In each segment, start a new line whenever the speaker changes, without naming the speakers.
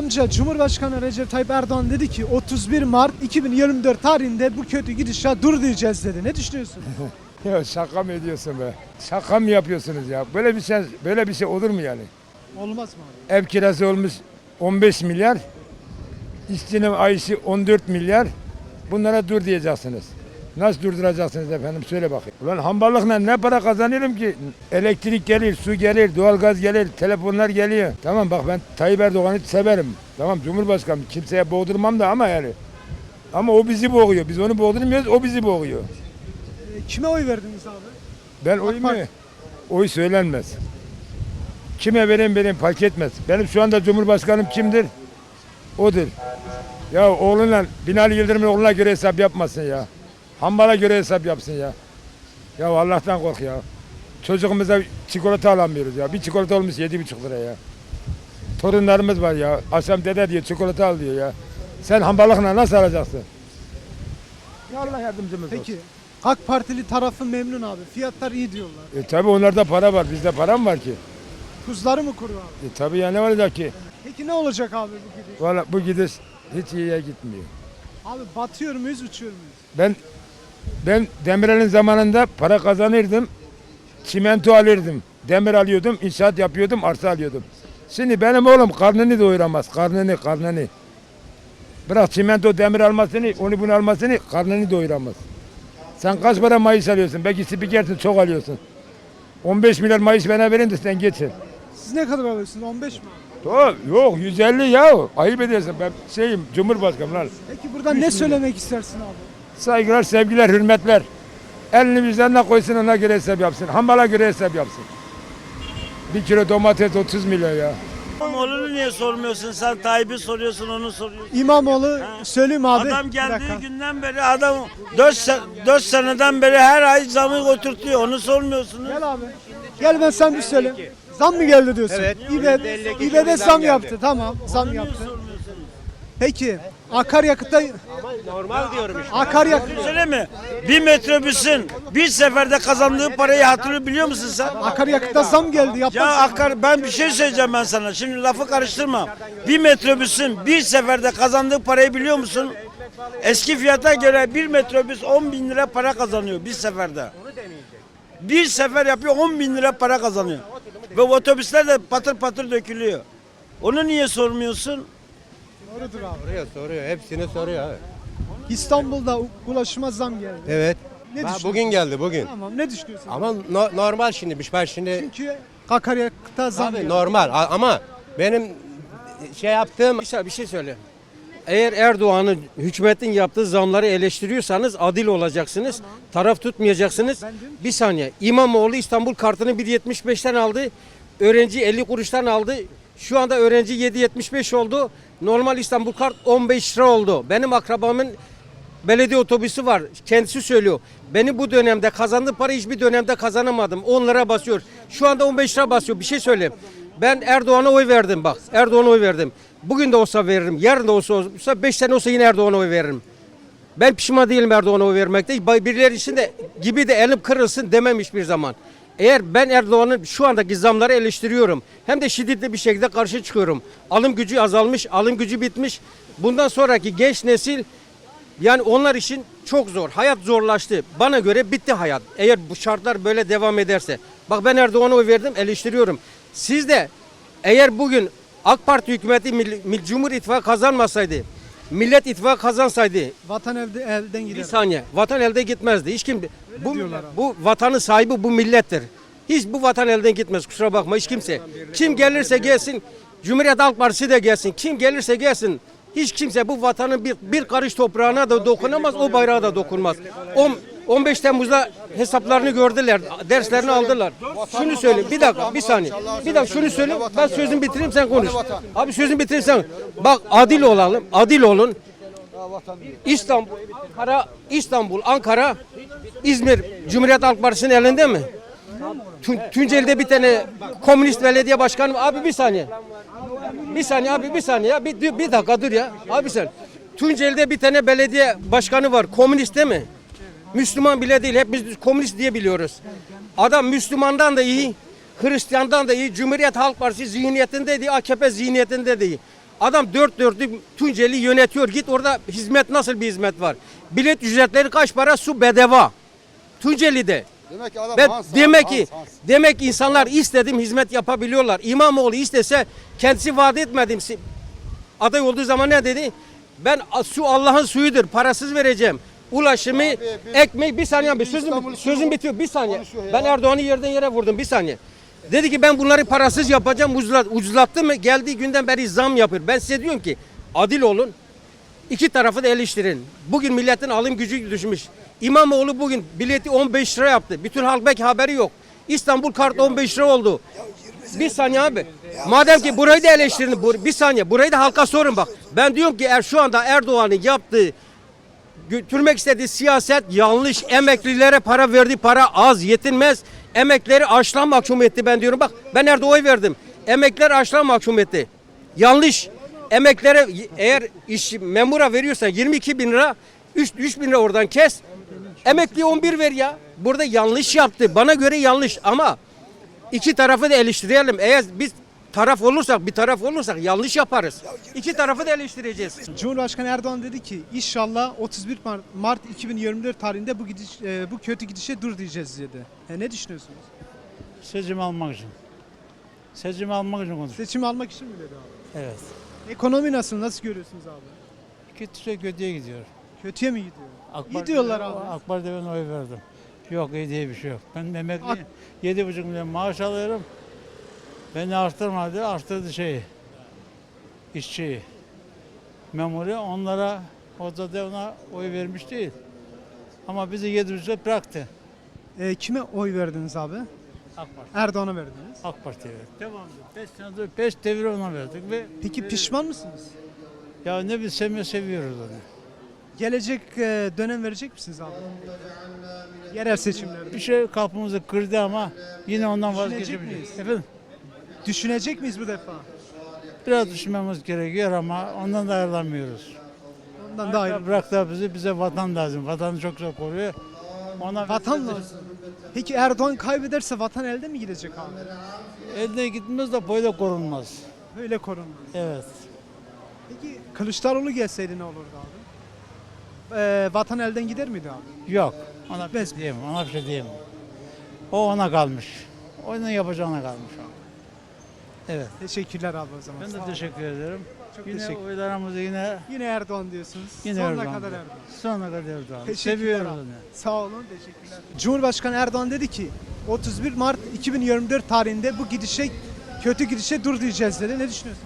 Amca Cumhurbaşkanı Recep Tayyip Erdoğan dedi ki 31 Mart 2024 tarihinde bu kötü gidişat dur diyeceğiz dedi. Ne düşünüyorsun?
Ya şaka mı ediyorsun be? Şaka mı yapıyorsunuz ya? Böyle bir şey olur mu yani?
Olmaz mı abi?
Ev kirası olmuş 15 milyar. İşçinin ayışı 14 milyar. Bunlara dur diyeceksiniz. Nasıl durduracaksınız efendim? Söyle bakayım. Ulan hamballıkla ne para kazanıyorum ki? Elektrik gelir, su gelir, doğalgaz gelir, telefonlar geliyor. Tamam bak ben Tayyip Erdoğan'ı severim. Tamam Cumhurbaşkanı kimseye boğdurmam da ama yani. Ama o bizi boğuyor. Biz onu boğdurmuyoruz, o bizi boğuyor.
Kime oy verdiniz abi?
Ben oyumu, oy söylenmez. Kime vereyim fark etmez. Benim şu anda Cumhurbaşkanım kimdir? Odur. Ya oğlunla, Binali Yıldırım'ın oğluna göre hesap yapmasın ya. Hambala göre hesap yapsın ya. Ya Allah'tan kork ya. Çocuğumuza çikolata alamıyoruz ya. Bir çikolata olmuş 7,5 lira ya. Torunlarımız var ya. Akşam dede diyor çikolata al diyor ya. Sen hambalıkla nasıl alacaksın? Ya Allah yardımcımız olsun.
Peki AK Partili tarafı memnun abi. Fiyatlar iyi diyorlar.
Tabi onlarda para var. Bizde para mı var ki?
Tuzları mı kuru abi?
Tabi ya ne olacak ki?
Peki ne olacak abi bu gidiş?
Valla bu gidiş hiç iyiye gitmiyor.
Abi batıyor muyuz, uçuyor muyuz?
Ben Demirel'in zamanında para kazanırdım. Çimento alırdım. Demir alıyordum, inşaat yapıyordum, arsa alıyordum. Şimdi benim oğlum karnını doyuramaz. Karnını. Bırak çimento demir almasını, onu bunu almasını, karnını doyuramaz. Sen kaç para maaş alıyorsun? Belki spikersin, çok alıyorsun. 15 milyar maaş bana verin de sen geçin.
Siz ne kadar alıyorsunuz? 15 mi abi?
Yok 150 ya. Ayıp ediyorsun. Ben Cumhurbaşkanım lan.
Peki buradan ne söylemek istersin abi?
Saygılar, sevgiler, hürmetler. Elini vicdanına koysun ona göre hesap yapsın. Hambala göre hesap yapsın. 1 kilo domates 30 milyon ya.
İmamoğlu'nu niye sormuyorsun? Sen Tayyip'i soruyorsun, onu soruyorsun.
İmamoğlu söyleyeyim abi.
Adam
Bir
geldiği
dakika.
günden beri adam 4 seneden beri her ay zamı oturtuyor. Onu sormuyorsunuz.
Gel abi. Gel ben sen bir söyle. Zam mı geldi diyorsun?
Evet.
İBB zam yaptı. Tamam. Zam
Niye
yaptı.
sormuyorsunuz?
Peki akaryakıtta
Normal diyorum işte.
akaryakıt
Söyle mi? Bir metrobüsün bir seferde kazandığı parayı hatırlıyor biliyor musun sen?
akaryakıtta zam geldi. Yapmak
Ya ben bir şey söyleyeceğim ben sana. Şimdi lafı karıştırma. Bir metrobüsün bir seferde kazandığı parayı biliyor musun? Eski fiyata göre bir metrobüs 10 bin lira para kazanıyor bir seferde. Bir sefer yapıyor 10 bin lira para kazanıyor. Ve otobüsler de patır patır dökülüyor. Onu niye sormuyorsun?
Doğrudur abi.
Soruyor. Hepsini soruyor abi.
İstanbul'da ulaşıma zam geldi.
Evet.
Ne
Ha,
düşünüyorsun?
bugün geldi bugün.
Tamam. Ne düşünüyorsun?
Ama normal şimdi. Ben şimdi
Çünkü akaryakıtta zam
abi
geldi.
normal ama benim şey yaptığım
Bir şey söyle. Eğer Erdoğan'ın hükümetin yaptığı zamları eleştiriyorsanız adil olacaksınız. Taraf tutmayacaksınız. Bir saniye. İmamoğlu İstanbul kartını 1.75'ten aldı. Öğrenci 50 kuruştan aldı. Şu anda öğrenci 7.75 oldu. Normal İstanbul kart 15 lira oldu. Benim akrabamın belediye otobüsü var. Kendisi söylüyor. Beni bu dönemde kazandığım para hiçbir dönemde kazanamadım. 10 lira basıyor. Şu anda 15 lira basıyor. Bir şey söyleyeyim. Ben Erdoğan'a oy verdim bak. Erdoğan'a oy verdim. Bugün de olsa veririm. Yarın da olsa 5 sene olsa yine Erdoğan'a oy veririm. Ben pişman değilim Erdoğan'a oy vermekte. Birileri için de gibi de elim kırılsın demem hiçbir zaman. Eğer ben Erdoğan'ın şu andaki zamları eleştiriyorum. Hem de şiddetli bir şekilde karşı çıkıyorum. Alım gücü azalmış, alım gücü bitmiş. Bundan sonraki genç nesil yani onlar için çok zor. Hayat zorlaştı. Bana göre bitti hayat. Eğer bu şartlar böyle devam ederse. Bak ben Erdoğan'a oy verdim, eleştiriyorum. Siz de eğer bugün AK Parti hükümeti Cumhur İttifakı kazanmasaydı, Millet İttifakı kazansaydı,
Vatan elden
bir
gider.
saniye, vatan elde gitmezdi. Hiç kim
diyorlar abi.
bu vatanın sahibi bu millettir. Hiç bu vatan elden gitmez. Kusura bakma hiç kimse. Kim gelirse gelsin, Cumhuriyet Halk Partisi de gelsin. Kim gelirse gelsin. Hiç kimse bu vatanın bir karış toprağına da dokunamaz, o bayrağa da dokunmaz. 15 Temmuz'da hesaplarını gördüler, derslerini aldılar. Şunu söyleyeyim, bir dakika, bir saniye. Bir dakika şunu söyleyeyim, ben sözümü bitireyim sen konuş. Abi sözümü bitireyim sen. Bak adil olalım, adil olun. İstanbul, Ankara, İzmir Cumhuriyet Halk Partisi'nin elinde mi? Tunceli'de bir tane komünist belediye başkanı. Abi bir saniye. Bir saniye abi bir saniye ya. Bir dakika dur ya. Abi sen. Tunceli'de bir tane belediye başkanı var. Komünist değil mi? Müslüman bile değil. Hep biz komünist diye biliyoruz. Adam Müslümandan da iyi, Hristiyandan da iyi, Cumhuriyet Halk Partisi zihniyetinde de iyi, AKP zihniyetinde de iyi. Adam dört dörtlük Tunceli yönetiyor. Git orada hizmet nasıl bir hizmet var? Bilet ücretleri kaç para? Su bedava. Tunceli'de.
Demek ki adam
Demek ki insanlar istediğim hizmet yapabiliyorlar. İmamoğlu istese kendisi vaat etmedim. Aday olduğu zaman ne dedi? Ben su Allah'ın suyudur. Parasız vereceğim. Ulaşımı, ekmeği bir saniye abi sözüm bitiyor. Bir saniye. Ben Erdoğan'ı yerden yere vurdum. Bir saniye. Dedi ki ben bunları parasız yapacağım. Ucuzlattı mı? Geldiği günden beri zam yapıyor. Ben size diyorum ki adil olun. İki tarafı da eleştirin. Bugün milletin alım gücü düşmüş. İmamoğlu bugün bileti 15 lira yaptı. Bütün halk belki haberi yok. İstanbul kart 15 lira oldu. Bir saniye abi. Madem ki burayı da eleştirin. Bir saniye. Burayı da halka sorun bak. Ben diyorum ki şu anda Erdoğan'ın yaptığı götürmek istediği siyaset yanlış. Emeklilere para verdi. Para az yetinmez. Emekleri açlığa mahkum etti ben diyorum. Bak ben nerede oy verdim. Emekler açlığa mahkum etti. Yanlış. Emeklere eğer memura veriyorsan 22 bin lira 3 bin lira oradan kes. Emekliye 11 ver ya. Burada yanlış yaptı. Bana göre yanlış ama iki tarafı da eleştirelim. Eğer biz bir taraf olursak yanlış yaparız. İki tarafı da eleştireceğiz.
Cumhurbaşkanı Erdoğan dedi ki inşallah 31 Mart 2024 tarihinde bu kötü gidişe dur diyeceğiz dedi. Ne düşünüyorsunuz?
Seçim almak için. Seçim almak için konuşuyor.
Seçim almak için mi dedi abi?
Evet.
Ekonomi nasıl görüyorsunuz abi?
Kötüye gidiyor.
Kötüye mi gidiyor?
AK
İyi diyorlar abi.
AK Parti'ye ben oy verdim. Yok iyi diye bir şey yok. Ben emekliyim. 7,5 milyon maaş alıyorum. Beni arttırdı işçiyi. Memuri onlara o da ona oy vermiş değil. Ama bizi 7,5 bıraktı.
Kime oy verdiniz abi?
AK Parti.
Erdoğan'a verdiniz.
AK Parti'ye verdik. Devamlı. 5 senedir 5 devir ona verdik ve
Peki pişman mısınız?
ya ne bilsem seviyoruz onu.
Gelecek dönem verecek misiniz abi? Yerel seçimlerde.
Bir şey kapımızı kırdı ama yine ondan
Düşünecek
vazgeçebiliriz.
miyiz?
Efendim?
Düşünecek miyiz bu defa?
Biraz düşünmemiz gerekiyor ama ondan da ayrılamıyoruz.
Ondan da ayrı.
Bırak da bize vatan lazım. Vatanı çok zor koruyor. Ona
Vatan lazım. Peki Erdoğan kaybederse vatan elde mi gidecek abi?
elde gitmez de böyle korunmaz.
Böyle korunmaz.
Evet.
Peki Kılıçdaroğlu gelseydi ne olurdu abi? Vatan elden gider miydi abi?
Yok. Ona bir
Bez-
şey diyemem. Ona bir şey diyemem. O ona kalmış. Onun yapacağına kalmış o. Evet.
Teşekkürler abi o zaman.
Ben
Sağ
de
olun.
teşekkür ederim.
Çok
Yine
teşekkür.
oylarımızı yine
Erdoğan diyorsunuz.
Yine
Sonuna
Erdoğan
kadar
diyor.
Erdoğan.
sonuna kadar Erdoğan.
Teşekkürler
Seviyoruz
abi.
onu.
Sağ olun, teşekkürler. Cumhurbaşkanı Erdoğan dedi ki 31 Mart 2024 tarihinde bu kötü gidişe dur diyeceğiz dedi. Ne düşünüyorsun?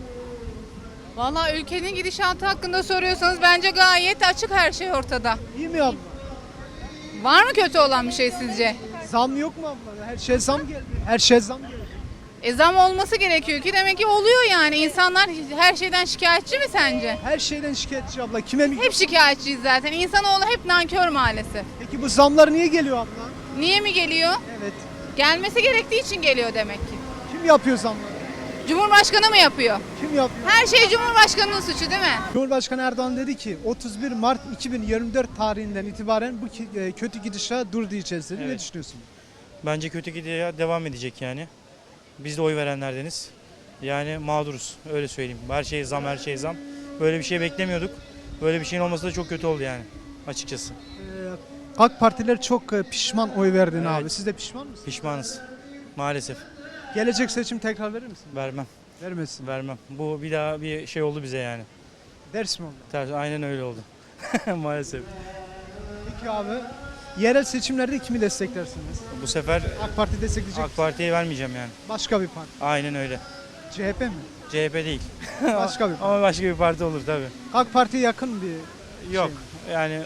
Valla ülkenin gidişatı hakkında soruyorsanız bence gayet açık her şey ortada.
İyi mi abla?
Var mı kötü olan bir şey sizce?
Zam yok mu abla? Her şey zam geldi. Her şey zam geldi.
Zam olması gerekiyor ki demek ki oluyor yani. İnsanlar her şeyden şikayetçi mi sence?
Her şeyden şikayetçi abla. Kime mi?
Hep şikayetçiyiz zaten. İnsanoğlu hep nankör maalesef.
Peki bu zamlar niye geliyor abla?
Niye mi geliyor?
Evet.
Gelmesi gerektiği için geliyor demek ki.
Kim yapıyor zamları?
Cumhurbaşkanı mı yapıyor?
Kim yapıyor?
Her şey Cumhurbaşkanı'nın suçu değil mi?
Cumhurbaşkanı Erdoğan dedi ki 31 Mart 2024 tarihinden itibaren bu kötü gidişe dur diyeceğiz dedi. Ne
Evet.
düşünüyorsun?
Bence kötü gidiyor devam edecek yani. Biz de oy verenlerdeniz. Yani mağduruz öyle söyleyeyim. Her şey zam, her şey zam. Böyle bir şey beklemiyorduk. Böyle bir şeyin olması da çok kötü oldu yani açıkçası.
AK Partiler çok pişman oy verdin
Evet.
abi. Siz de pişman mısınız?
Pişmanız. Maalesef.
Gelecek seçim tekrar verir misin?
Vermem,
Vermesin.
vermem. Bu bir daha bir şey oldu bize yani.
Ders mi oldu?
Aynen öyle oldu. Maalesef.
Peki abi yerel seçimlerde kimi desteklersiniz?
Bu sefer
AK Parti destekleyecek
AK Parti'ye vermeyeceğim yani.
başka bir parti.
Aynen öyle.
CHP mi?
CHP değil.
Başka bir parti.
Ama başka bir parti olur tabii.
AK Parti'ye yakın bir
Yok.
şey.
Yani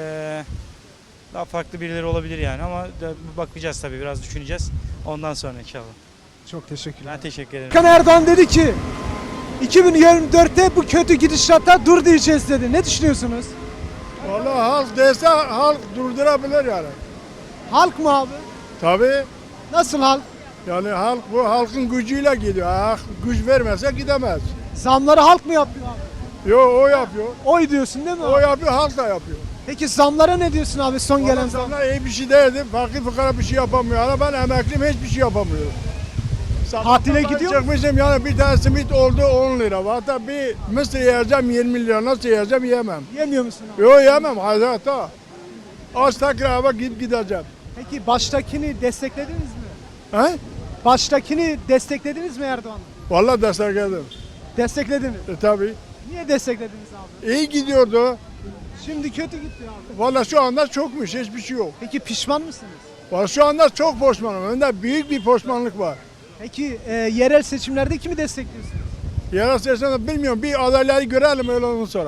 daha farklı birileri olabilir yani ama bakacağız tabii biraz düşüneceğiz. Ondan sonra inşallah.
Çok teşekkürler.
Ben teşekkür ederim.
Başkan Erdoğan dedi ki 2024'te bu kötü gidişata dur diyeceğiz dedi. Ne düşünüyorsunuz?
Vallahi halk dese halk durdurabilir yani.
Halk mı abi?
Tabii.
Nasıl halk?
Yani halk bu halkın gücüyle gidiyor. Halk güç vermezse gidemez.
Zamları halk mı yapıyor abi?
Yo o yapıyor.
Oy diyorsun değil mi?
O yapıyor, halk da yapıyor.
Peki zamlara ne diyorsun abi son gelen
Gelen
zam?
zamlar iyi bir şey değildi. Fakir fukara bir şey yapamıyor. Ama ben emekliyim hiçbir şey yapamıyorum.
Tatile gidiyor musun?
Çıkmışım yani bir tane simit oldu 10 lira. Hatta bir mısır yiyeceğim 20 lira. Nasıl yiyeceğim yemem.
Yemiyor musun abi?
Yok yemem hayatta. Az tekrar eve gideceğim.
Peki baştakini desteklediniz mi?
He?
Baştakini desteklediniz mi Erdoğan'ı?
Vallahi destekledim.
Desteklediniz.
Tabii.
Niye desteklediniz abi?
İyi gidiyordu.
Şimdi kötü gitti abi.
Vallahi şu anda çokmuş. Hiçbir şey yok.
Peki pişman mısınız?
Vallahi şu anda çok pişmanım. Önde büyük bir pişmanlık var.
Peki yerel seçimlerde kimi destekliyorsunuz?
Yerel seçimde bilmiyorum. Bir adayları görelim öyle ondan sonra.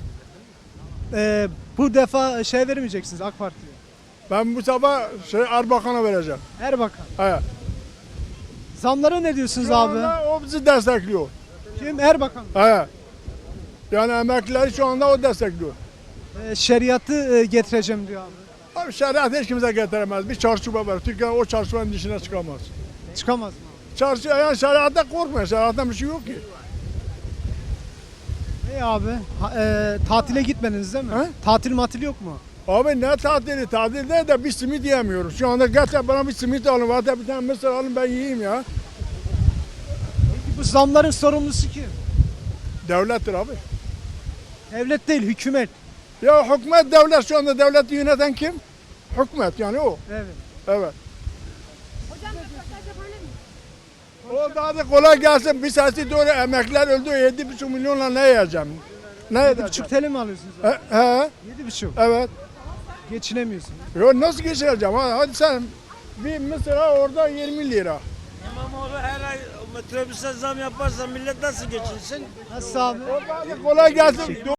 Bu defa şey vermeyeceksiniz AK Parti'ye.
Ben bu sabah Erbakan'a vereceğim.
Erbakan.
Evet.
Zamlara ne diyorsunuz
Şu
abi?
anda o bizi destekliyor.
Kim? Erbakan.
Evet. Yani emeklileri şu anda o destekliyor.
Şeriatı getireceğim diyor abi.
Abi şeriat hiç kimse getiremez. Bir çarşıba var. Türkiye o çarşıbanın dışına çıkamaz.
Çıkamaz mı?
Çarşı yani şeriatta korkmuyor. Şeriattan bir şey yok ki.
İyi abi. Tatile gitmediniz değil mi?
He?
Tatil matil yok mu?
Abi ne tatili? Tatil değil de bir simit yiyemiyoruz. Şu anda gerçekten bana bir simit alın. Hatta bir tane mısır alın ben yiyeyim ya.
Peki bu zamların sorumlusu kim?
Devlettir abi.
Devlet değil, hükümet.
Ya hükümet devlet şu anda devleti yöneten kim? Hükümet yani o.
Evet.
Evet. O daha da kolay gelsin. Bir sesi doğru emekliler öldü. 7,5 milyonla ne yiyeceğim? Ne
7,5
edeceğim?
TL mi alıyorsunuz?
He, he,
7,5.
evet.
Geçinemiyorsun.
Yo, nasıl geçireceğim? Hadi sen bir mesela orada 20 lira.
İmamoğlu her ay metrobüse zam yaparsa millet nasıl geçinsin?
Nasıl abi?
O daha da kolay gelsin.